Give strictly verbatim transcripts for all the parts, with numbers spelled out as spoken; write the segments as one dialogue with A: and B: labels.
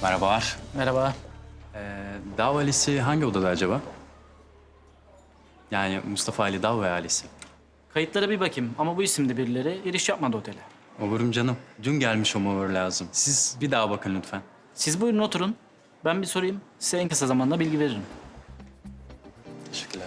A: Merhabalar.
B: Merhaba.
A: Ee, Dav ailesi hangi odada acaba? Yani Mustafa Ali Dav ve ailesi.
B: Kayıtlara bir bakayım ama bu isimde birileri giriş yapmadı otele.
A: Ovurum canım. Dün gelmiş o mover lazım. Siz bir daha bakın lütfen.
B: Siz buyurun oturun. Ben bir sorayım. Size en kısa zamanda bilgi veririm.
A: Teşekkürler.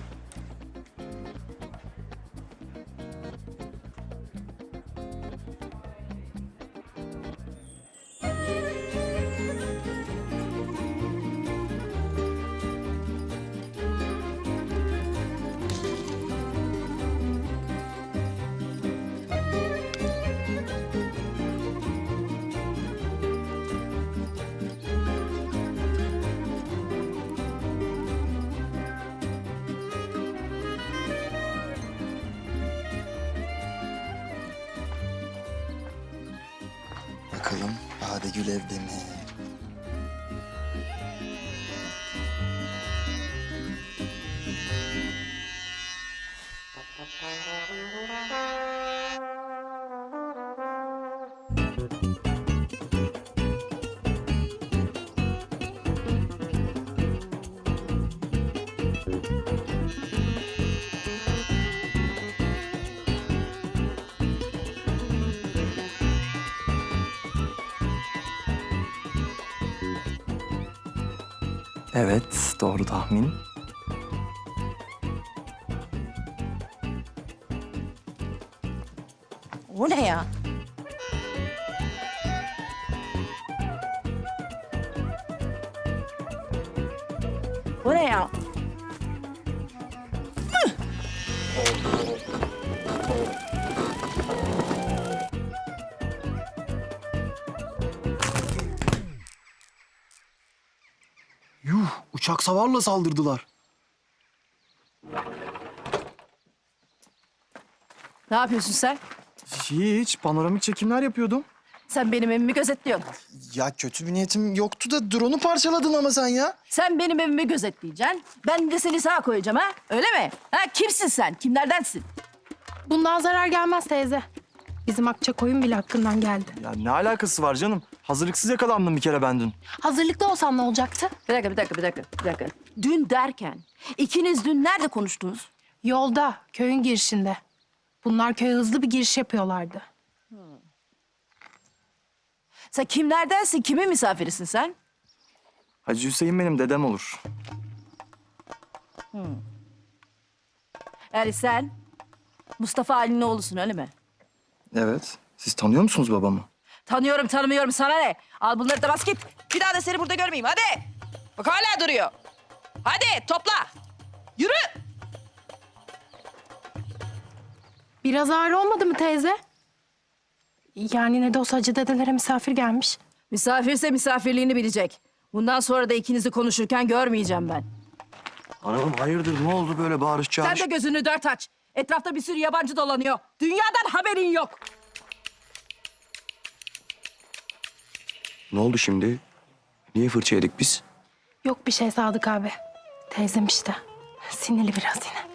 C: Bakalım Badegül evde mi? Evet, doğru tahmin.
D: O ne ya? O ne ya?
C: Yuh, uçak savarla saldırdılar.
D: Ne yapıyorsun sen?
C: Hiç, panoramik çekimler yapıyordum.
D: Sen benim evimi gözetliyorsun.
C: Ya kötü bir niyetim yoktu da drone'u parçaladın ama sen ya.
D: Sen benim evimi gözetleyeceksin. Ben de seni sağa koyacağım ha? Öyle mi? Ha kimsin sen? Kimlerdensin?
E: Bundan zarar gelmez teyze. Bizim Akçakoyun bile hakkından geldi.
C: Ya ne alakası var canım? Hazırlıksız yakalandım bir kere ben dün.
E: Hazırlıklı olsam ne olacaktı?
D: Bir dakika, bir dakika, bir dakika, bir dakika. Dün derken, ikiniz dün nerede konuştunuz?
E: Yolda, köyün girişinde. Bunlar köye hızlı bir giriş yapıyorlardı.
D: Sen kimlerdensin? Kimin misafirisin sen?
C: Hacı Hüseyin benim dedem olur.
D: Yani sen Mustafa Ali'nin oğlusun öyle mi?
C: Evet. Siz tanıyor musunuz babamı?
D: Tanıyorum, tanımıyorum. Sana ne? Al bunları da bas git. Bir daha da seni burada görmeyeyim. Hadi. Bak hala duruyor. Hadi topla. Yürü.
E: Biraz ağır olmadı mı teyze? Yani ne de olsa hacı dedelere misafir gelmiş.
D: Misafirse misafirliğini bilecek. Bundan sonra da ikinizi konuşurken görmeyeceğim ben.
C: Hanımım hayırdır ne oldu böyle bağırış
D: Sen
C: çağırış?
D: de gözünü dört aç. Etrafta bir sürü yabancı dolanıyor. Dünyadan haberin yok.
F: Ne oldu şimdi? Niye fırça yedik biz?
E: Yok bir şey Sadık abi. Teyzem işte. Sinirli biraz yine.